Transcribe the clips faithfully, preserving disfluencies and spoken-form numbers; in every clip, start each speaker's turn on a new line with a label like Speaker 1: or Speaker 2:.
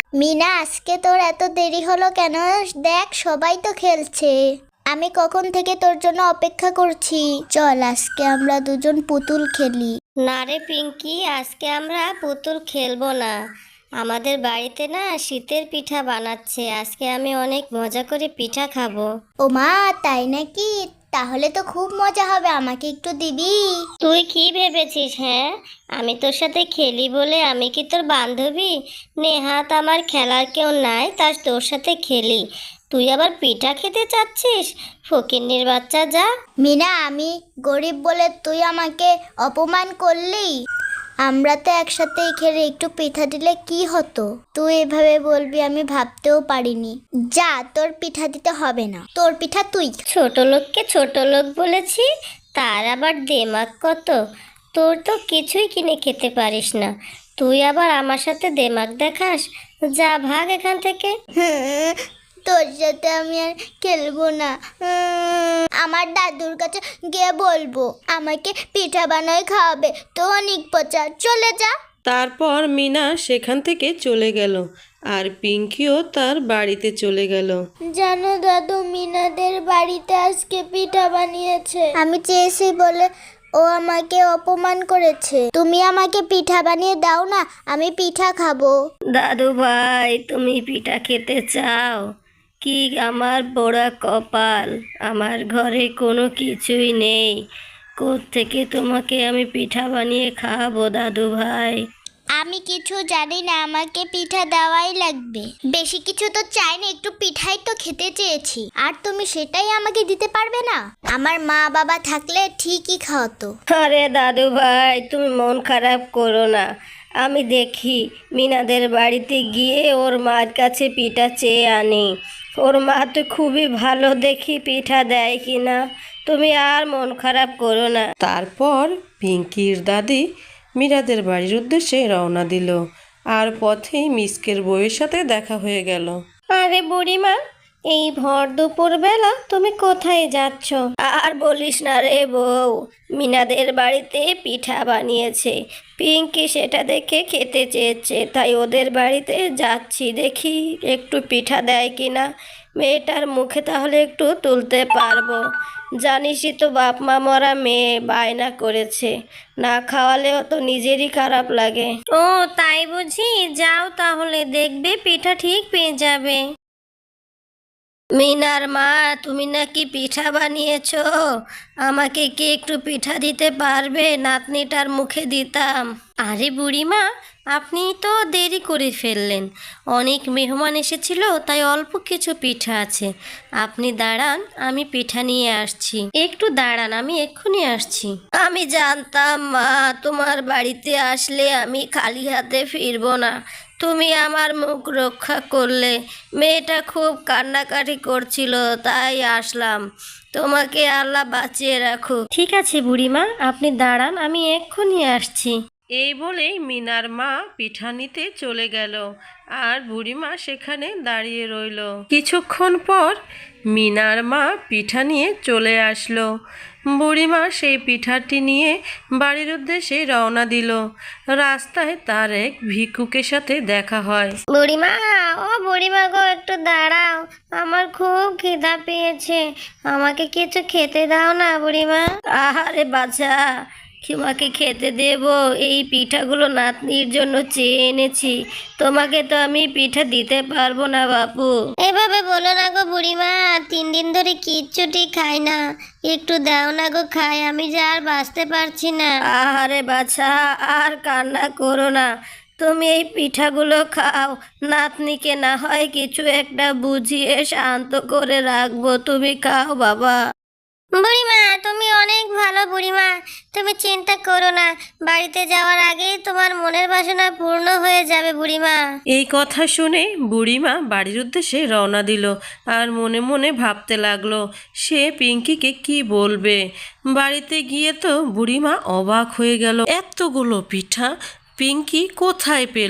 Speaker 1: মিনা, আজকে তোর এত দেরি হলো কেন? দেখ, সবাই তো খেলছে। আমি কখন থেকে তোর জন্য অপেক্ষা করছি। চল, আজকে আমরা দুজন পুতুল খেলি।
Speaker 2: না রে পিঙ্কি, আজকে আমরা পুতুল খেলবো না। আমাদের বাড়িতে না শীতের পিঠা বানাচ্ছে, আজকে আমি অনেক মজা করে পিঠা খাবো।
Speaker 1: ও মা, তাই নাকি? তাহলে তো খুব মজা হবে, আমাকে একটু দিবি?
Speaker 2: তুই কি ভেবেছিস? হ্যাঁ, আমি তোর সাথে খেলি বলে আমি কি তোর বান্ধবী? নেহাত আমার খেলার কেউ নাই, তার তোর সাথে খেলি। তুই আবার পিঠা খেতে চাচ্ছিস? ফকিন্নির বাচ্চা, যা।
Speaker 1: মিনা, আমি গরিব বলে তুই আমাকে অপমান করলি? আমরা তো একসাথেই খেলে, একটু পিঠা দিলে কি হতো? তুই এভাবে বলবি আমি ভাবতেও পারিনি। যা, তোর পিঠা দিতে হবে না, তোর পিঠা তুই।
Speaker 2: ছোট লোককে ছোট লোক বলেছি, তার আবার দেমাগ কত! তোর তো কিছুই কিনে খেতে পারিস না, তুই আবার আমার সাথে দেমাগ দেখাস? যা, ভাগ এখান থেকে।
Speaker 1: হুম, তোর সাথে আমি আর খেলবো না। উম, আমার দাদুর কাছে গিয়ে বলবো আমাকে পিঠা বানায় খাওয়াবে। তো অনেক পচা, চলে যা।
Speaker 3: তারপর মিনা সেখান থেকে চলে গেল আর পিঙ্কিও তার বাড়িতে চলে গেল।
Speaker 1: জানো দাদু, মিনাদের বাড়িতে আজকে পিঠা বানিয়েছে। আমি চেয়েছি বলে ও আমাকে অপমান করেছে। তুমি আমাকে পিঠা বানিয়ে দাও না, আমি পিঠা খাবো।
Speaker 2: দাদু ভাই, তুমি পিঠা খেতে চাও? কি আমার পোড়া কপাল, আমার ঘরে কোনো কিছুই নেই। কোত্থেকে তোমাকে আমি পিঠা বানিয়ে খাওয়াবো দাদু ভাই?
Speaker 1: আমি কিছু জানি না, আমাকে পিঠা দেওয়াই লাগবে। বেশি কিছু তো চাই না, একটু পিঠাই তো খেতে চেয়েছি, আর তুমি সেটাই আমাকে দিতে পারবে না? আমার মা বাবা থাকলে ঠিকই খাওয়াতো।
Speaker 2: আরে দাদু ভাই, তুমি মন খারাপ করো না। আমি দেখি মিনাদের বাড়িতে গিয়ে ওর মার কাছে পিঠা চেয়ে আনি। ওর মা তো খুবই ভালো, দেখি পিঠা দেয় কিনা। তুমি আর মন খারাপ করো না।
Speaker 3: তারপর পিঙ্কির দাদি মীরাদের বাড়ির উদ্দেশ্যে রওনা দিল আর পথেই মিসকের বউয়ের সাথে দেখা হয়ে গেল।
Speaker 2: আরে বুড়িমা, এই ভর দুপুর বেলা তুমি কোথায় যাচ্ছ? আর বলিস না রে বউ, মিনাদের বাড়িতে পিঠা বানিয়েছে। পিঙ্কি সেটা দেখে খেতে চেয়েছে, তাই ওদের বাড়িতে যাচ্ছি, দেখি একটু পিঠা দেয় কিনা। মেয়েটার মুখে তাহলে একটু তুলতে পারবো। জানিসই তো, বাপ মা মরা মেয়ে বায়না করেছে, না খাওয়ালেও তো নিজেরই খারাপ লাগে। ও তাই বুঝি? যাও তাহলে, দেখবে পিঠা ঠিক পেয়ে যাবে। মিনার মা, তুমি নাকি পিঠা বানিয়েছো? আমাকে কি একটু পিঠা দিতে পারবে? নাতনিটার মুখে দিতাম। আরে বুড়িমা, আপনি তো দেরি করে ফেললেন। অনেক মেহমান এসেছিল, তাই অল্প কিছু পিঠা আছে। আপনি দাঁড়ান, আমি পিঠা নিয়ে আসছি। একটু দাঁড়ান, আমি এক্ষুনি আসছি। আমি জানতাম মা, তোমার বাড়িতে আসলে আমি খালি হাতে ফিরবো না। তুমি আমার মুখ রক্ষা করলে। মেয়েটা খুব কান্নাকাটি করছিল, তাই আসলাম। তোমাকে আল্লাহ বাঁচিয়ে রাখুক। ঠিক আছে বুড়িমা, আপনি দাঁড়ান, আমি এক্ষুনি আসছি।
Speaker 3: এই বলেই মিনার মা পিঠা নিতে চলে গেল আর বুড়িমা সেখানে দাঁড়িয়ে রইল। কিছুক্ষণ পর মিনার মা পিঠা নিয়ে চলে আসলো। বুড়িমা সেই পিঠাটি নিয়ে বাড়ির উদ্দেশ্যে রওনা দিল। রাস্তায় তার এক ভিক্ষুকের সাথে দেখা হয়।
Speaker 2: বুড়িমা, ও বুড়িমা গো, একটু দাঁড়াও, আমার খুব খিদা পেয়েছে, আমাকে কিছু খেতে দাও না বুড়িমা। আহারে বাছা, তোমাকে খেতে দেব? এই পিঠাগুলো নাতনির জন্য চেয়ে এনেছি, তোমাকে তো আমি পিঠা দিতে পারবো না বাপু। এভাবে বলো না গো বুড়িমা, তিন দিন ধরে কিচ্ছুটি খাই না, একটু দাও না গো খাই, আমি যে আর বাঁচতে পারছি না। আহারে বাছা, আর কান্না করো না, তুমি এই পিঠাগুলো খাও। নাতনিকে না হয় কিছু একটা বুঝিয়ে শান্ত করে রাখবো, তুমি খাও বাবা। বুড়িমা, তুমি অনেক ভালো বুড়িমা, তুমি চিন্তা করো না, বাড়িতে যাওয়ার আগেই তোমার মনের বাসনা পূর্ণ হয়ে যাবে বুড়িমা।
Speaker 3: এই কথা শুনে বুড়িমা বাড়ির উদ্দেশ্যে রওনা দিল আর মনে মনে ভাবতে লাগলো সে পিঙ্কিকে কি বলবে। বাড়িতে গিয়ে তো বুড়িমা অবাক হয়ে গেল, এতগুলো পিঠা পিঙ্কি কোথায় পেল।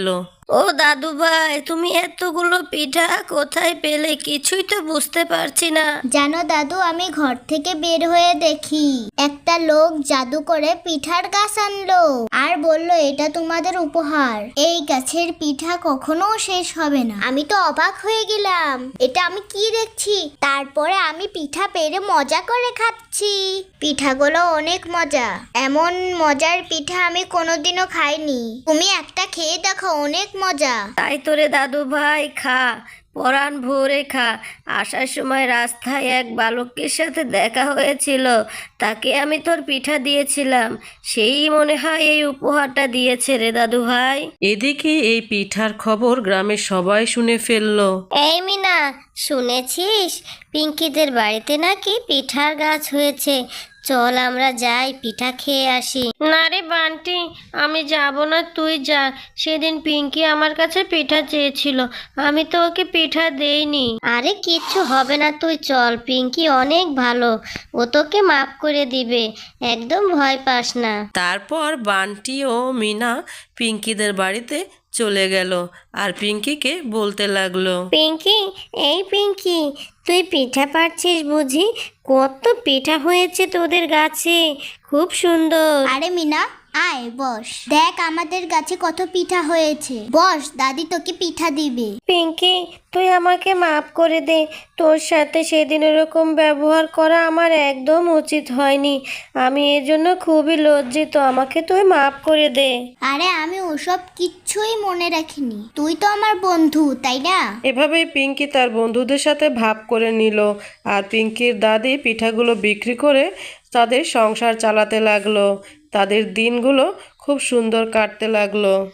Speaker 2: ও দাদু ভাই, তুমি এতগুলো পিঠা কোথায় পেলে? কিছুই তো বুঝতে পারছি না।
Speaker 1: জানো দাদু, আমি ঘর থেকে বের হয়ে দেখি একটা লোক জাদু করে পিঠার গাছ আনলো আর বলল এটা তোমাদের উপহার। এই গাছের পিঠা কখনো শেষ হবে না। আমি তো অবাক হয়ে গেলাম, এটা আমি কি দেখছি। তারপরে আমি পিঠা পেরে মজা করে খাচ্ছি। পিঠাগুলো অনেক মজা, এমন মজার পিঠা আমি কোনোদিনও খাইনি। তুমি একটা খেয়ে দেখো, অনেক মজা।
Speaker 2: তাই তোরে দাদু ভাই, খা, পরাণ ভরে খা। আসার সময় রাস্তায় এক বালকের সাথে দেখা হয়েছিল, তাকে আমি তোর পিঠা দিয়েছিলাম, সেই মনে হয় এই উপহারটা দিয়েছে রে দাদু ভাই।
Speaker 3: এদিকে এই পিঠার খবর গ্রামের সবাই শুনে ফেললো।
Speaker 2: এই মিনা, শুনেছিস পিঙ্কিদের বাড়িতে নাকি পিঠার গাছ হয়েছে? চল আমরা যাই, পিঠা খেয়ে আসি। না রে বান্টি, আমি যাব না, তুই যা। সেদিন পিঙ্কি আমার কাছে পিঠা চেয়েছিল, আমি তো ওকে পিঠা দেইনি। আরে কিচ্ছু হবে না, তুই চল, পিঙ্কি অনেক ভালো, ও তোকে মাফ করে দিবে, একদম ভয় পাস না।
Speaker 3: তারপর বান্টি ও মিনা পিঙ্কিদের বাড়িতে চলে গেল আর পিঙ্কিকে বলতে লাগলো।
Speaker 2: পিঙ্কি, এই পিঙ্কি, তুই পিঠা পাচ্ছিস বুঝি? কত পিঠা হয়েছে তোদের গাছে, খুব সুন্দর।
Speaker 1: আরে মিনা, আয় বস, দেখ আমাদের গাছে কত পিঠা হয়েছে। বস, দাদি তোকে পিঠা দিবে।
Speaker 2: পিঙ্কি, তুই আমাকে মাফ করে দে, তোর সাথে সেদিন এরকম ব্যবহার করা আমার একদম উচিত হয়নি, আমি এর জন্য খুবই লজ্জিত, আমাকে তুই মাফ করে দে।
Speaker 1: আরে আমি ওসব কিচ্ছুই মনে রাখিনি, তুই তো আমার বন্ধু, তাই না?
Speaker 3: এভাবেই পিঙ্কি তার বন্ধুদের সাথে ভাব করে নিল আর পিঙ্কির দাদি পিঠাগুলো বিক্রি করে তাদের সংসার চালাতে লাগলো। তাদের দিনগুলো খুব সুন্দর কাটতে লাগলো।